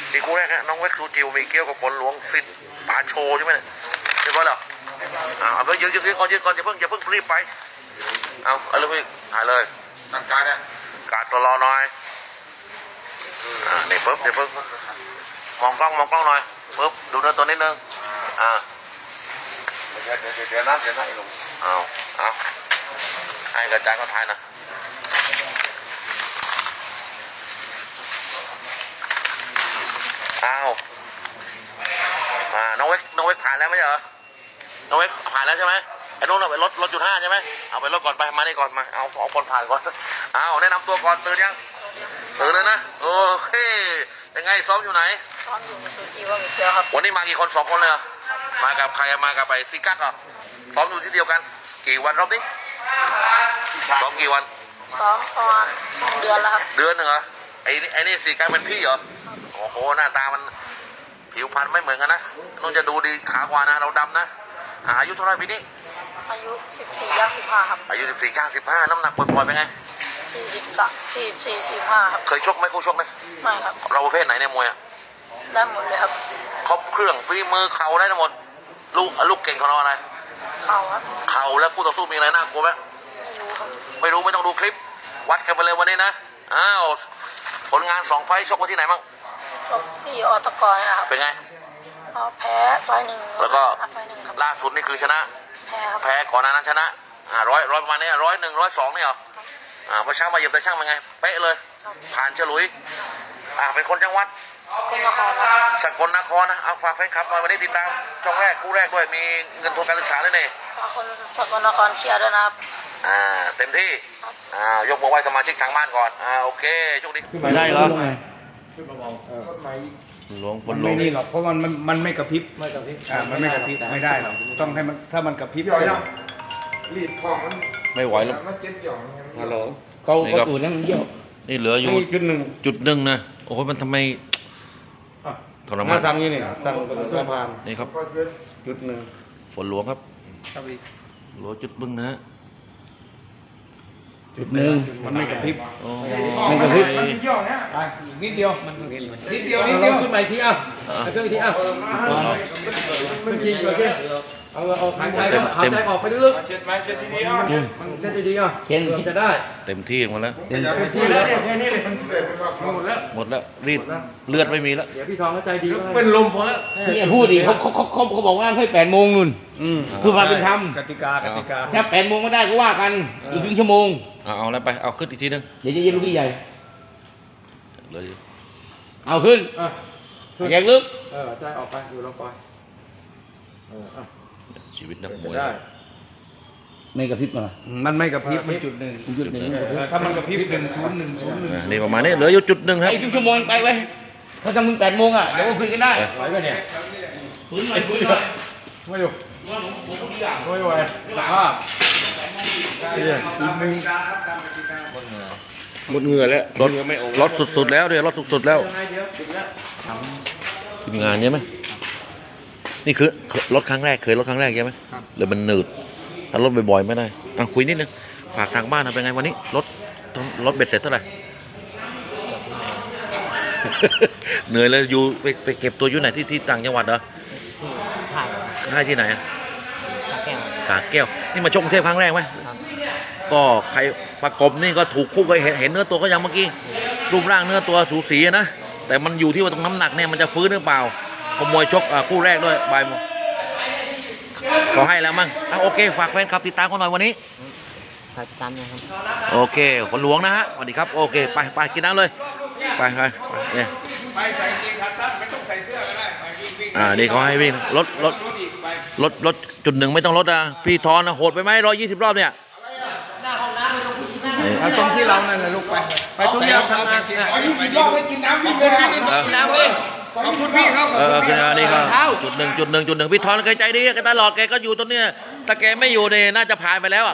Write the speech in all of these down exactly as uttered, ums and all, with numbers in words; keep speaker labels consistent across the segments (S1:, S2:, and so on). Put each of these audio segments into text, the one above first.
S1: นี่คู่แรกฮะน้องเวกซูจิวมีเกี้ยวกับฝนหลวงสิทธิ์ป่าโชใช่ไหมเนี่ยเรียบร้อยแล้วอ่าเอาไปยืนยืนยืนก่อนยืนก่อนอย่าเพิ่งอย่าเพิ่งรีบไปเอาเอาเลยพี่ถ่ายเลยตั้งการเนี่ยการตัวรอหน่อยอ่านี่ปึ๊บเดี๋ยวปึ๊บมองกล้องมองกล้องหน่อยปึ๊บดูเนื้อตัวนิดนึงอ่าเดี๋ยวเดี๋ยวเดี๋ยวนะเดี๋ยวนะไอ้ลุงเอาเอาให้กระจายก็ถ่ายนะอ้าวมาน้องเวกน้องเวกผ่านแล้วไม่ใช่เหรอน้องเวกผ่านแล้วใช่ไหมไอ้นู้นเอาไปรถรถจุดห้าใช่ไหมเอาไปรถก่อนไปมานี่ก่อนมาเอาเอาคนผ่านก่อนเอาแนะนำตัวก่อนตื่นยังตื่นเลยนะโอเคยังไงซ้อมอยู่ไหน
S2: ซ้อมอยู่กับซูจิว่ามีเกียวครับ
S1: วันนี้มากี่คนสองคนเลยมากับใครมากับไปซีกัสเหรอซ้อมอยู่ที่เดียวกันกี่วันรอบนี้ซ้อมกี่วัน
S2: ซ้อมประมาณสองเดือนแล้วครับ
S1: เดือนหนึ่งเหรอไอ้นี่ไอ้นี่ซีกัสเป็นพี่เหรอโอ้โหหน้าตามันผิวพรรณไม่เหมือนกันนะนุ่นจะดูดีขากว่านะเราดำนะอายุเท่าไหร่ปีนี้
S2: อายุสิบสี่ย่างสิบห้าครับ
S1: อายุสิบสี่ย่างสิบห้าน้ำหนักปล่อยๆเป็นไง
S2: สี่สิบละสี่สิบสี่สี่ห้าครับ
S1: เคยชกไหมคู่ชกไหม
S2: ไม่ครับ
S1: เราประเภทไหนในมวยอ่ะ
S2: ได้หมดเลยครับ
S1: ครบเครื่องฝีมือเข่าได้ทั้งหมดลูกลูกเก่งของเราอะไร
S2: เข่าครับ
S1: เข่าแล้วคู่ต่อสู้มีอะไรน่ากลัวไหม
S2: ไม่รู้ครับ
S1: ไม่รู้ไม่ต้องดูคลิปวัดกันไปเลยวันนี้นะอ้าวผลงานสองไฟชกไว้ที่ไหนบ้าง
S2: ชกที่อตกนะครับ
S1: เป็นไง
S2: แพ้ไฟหนึ่ง
S1: แล้วก็
S2: ไฟหนึ่งครับ
S1: ล่าสุดนี่คือชนะ
S2: แพ้ครับ
S1: แพ้ก่อนหน้านั้นชนะอ่าร้อยร้อยประมาณนี้ร้อยหนึ่งร้อยสองนี่เหรออ่าพอเช้ามาเหยียบแต่ช่างเป็นไงเป๊ะเลยผ่านฉลุยอ่าเป็นคนจังหวัด
S2: สกลนครครับ
S1: สกลนครนะเอาฝากแฟนคลับหน่อยวันนี้ติดตามช่องแรกคู่แรกด้วยมีเงินทุนการศึกษาด้วยเนี่ย
S2: ฝากคนสกลนครเชียร์ด้วยนะครับ
S1: อ่าเต็มที่อ่ายกมือไหว้สมาชิกทางบ้านก่อนอ่าโอเคโชคดีไม่ได้เหรอ
S3: ขึ้นมาเบาต้นไม้
S1: หลวงฝนหลวง
S3: ไม่นี่หรอกเพราะมันมันมันไม่กระพริบไม่กระพริบอ่ามันไม่กระพริบไม่ได้หรอกต้องให้มันถ้ามันกระพริบ
S4: รีดของมัน
S1: ไม่ไหวแล้ว
S4: มันเจ็บหย่อน
S3: ฮัลโหลเขาเขาตูดนั่นเยี่ยว
S1: นี่เหลืออยู่
S3: จุดหนึ่ง
S1: จุดหนึ่งนะโอ้โหมันทำไมทรมาน
S3: สั่งนี่นี่สั่งทรมาน
S1: นี่ครับ
S3: จุดหนึ่ง
S1: ฝนหลวงครับหลวงจุดบึ้งนะฮะ
S3: จุดหนึ่งมันไม่กระพริบไม่กระพริบมันเยี่ยวเนี่ยไปนิดเดียวมันนิดเดียวนิดเดียวขึ้นมาทีอ่ะขึ้นมาทีอ่ะมันกินอยู่ที่เอาเอาหายใจหายใจออกไปลึกๆเช็ดไหมเช็ดดีๆอ่ะมันเช็ดดีๆอ่ะเช็ดจะได้
S1: เต็มที่หมดแล้ว
S3: เต็มที่แล้วแค่นี้เลยมันหมดแล้ว
S1: หมดแล้วรีดเลือดไม่มีแล้ว
S3: เดี๋ยวพี่ทองเข้าใจดี
S5: เป็นลมพอแล้วนี่พูดดิเขาเขาเขาเขาบอกว่าให้แปดโมงนู่นคือความเป็นธรรม
S3: กติกากติกา
S5: ถ้าแปดโมงไม่ได้ก็ว่ากันอีกครึ่งชั่วโมง
S1: เอาเอาแล้วไปเอาขึ้นอีกทีนึง
S5: เดี๋ยวจะเย็นลูกพี่ใหญ่
S1: เลย
S5: เอาขึ้นแยกลึก
S3: เออใจออกไปอยู่ลงไปเออ
S1: ชีวิตนักมวย
S5: ไม่กระพริบมา
S3: มันไม่กระพริบไม่จุดหนึ่ง
S5: จุดหนึ่ง
S3: ถ้ามันกระพริบหนึ่งศูนย์หนึ่งศูนย์หนึ่ง
S1: นี่ประมาณนี้เหลืออยู่จุดหนึ่งครับ
S5: อีกครึ่งชั่วโมงไปไว้ถ้าจะมึงแปดโมงอ่ะเดี๋ยวก็คุยกันได้
S3: ไหวไหมเนี่ย
S5: ฟื้นหน่อยฟื้นหน่อย
S3: ไม่อยู่ไม่ไหวสภาพอีกหนึ่ง
S1: หมดเหงื่อแล้วรถรถสุดๆแล้วเดี๋ยวรถสุดๆแล้วทีมงานใช่ไหมนี่คือรถครั้งแรกเคยรถครั้งแรกใช่ไหมเลยมันหนืดถ้ารถบ่อยๆไม่ได้อ่ะคุยนิดนึงฝากทางบ้านเป็นไงวันนี้รถรถเบ็ดเสร็จเท่าไหร่ เหนื่อยเลยอยู่ไปไปเก็บตัวอยู่ไหนที่ที่ต่างจังหวัดเหรอ
S2: ถ่าย
S1: ถ่ายที่ไหนอะ
S2: สาแก้ว
S1: สาแก้วนี่มาชกกรุงเทพครั้งแรกไหมก็ใครประกบนี่ก็ถูกคู่ก็เห็นเห็นเนื้อตัวก็ยังเมื่อกี้รูปร่างเนื้อตัวสูสีนะแต่มันอยู่ที่ว่าตรงน้ำหนักเนี่ยมันจะฟื้นหรือเปล่าขโมยชกคู่แรกด้วยบายโมขอให้แล้วมั้งอ่ะโอเคฝากแฟนคลับติดตามกันหน่อยวันนี้
S2: ฝากติดตามนะครับ
S1: โอเคคนหลวงนะฮะสวัสดีครับโอเคไปไปกินน้ำเลยไปไปเนี่ย
S3: ไปใส่กางเกงขาสั้นไม่ต้องใส่เสื้อก็ได้ไปวิ่ง
S1: อ่านี่เขาให้วิ่งรถรถรถรถจุดหนึ่งไม่ต้องรถอ่ะพี่ทอนโหดไปไหมร้อยยี่สิบรอบเนี่ย
S2: หน้าห้องน้ำไม่ต้องผู้หญิงนั่ง
S3: ตรงที่เรานั่นแหละลูกไปไปตรงนี้ทำงานกิน
S4: อายุสิบรอบไปกินน้ำวิ่งเลย
S2: กินน้ำวิ่ง
S3: ขอบคุณพี่ครับ
S1: เออคือนี่ก็จุดหนึ่งจุดหนึ่งจุดหนึ่งพี่ทอนแกใจดีแกตลอดแกก็อยู่ตรงเนี้ยถ้าแกไม่อยู่เนี่ยน่าจะผ่านไปแล้วอ่ะ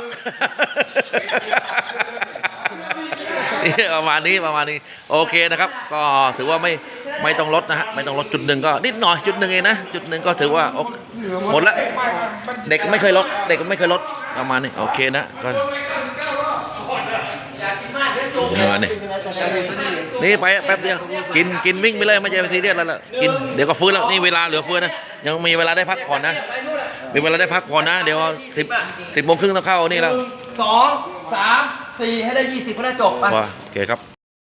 S1: ประมาณนี้ประมาณนี้โอเคนะครับก็ถือว่าไม่ไม่ต้องลดนะฮะไม่ต้องลดจุดหนึ่งก็นิดหน่อยจุดหนึ่งเองนะจุดหนึ่งก็ถือว่าหมดละเด็กไม่เคยลดเด็กไม่เคยลดประมาณนี้โอเคนะก็นี่มานี่นี่ไปแป๊บเดียวกินกินวิ่งไปเลยไม่ใช่ซีเรียสแล้วล่ะกินเดี๋ยวก็ฟื้นแล้วนี่เวลาเหลือเฟือนะยังมีเวลาได้พักผ่อนนะมีเวลาได้พักผ่อนนะเดี๋ยวสิบสิบโมงครึ่งต้องเข้านี่แล้ว
S2: สองสามสี่ให้ได้ยี่สิบก็ได้จบไป
S1: ว่าโอเคครับ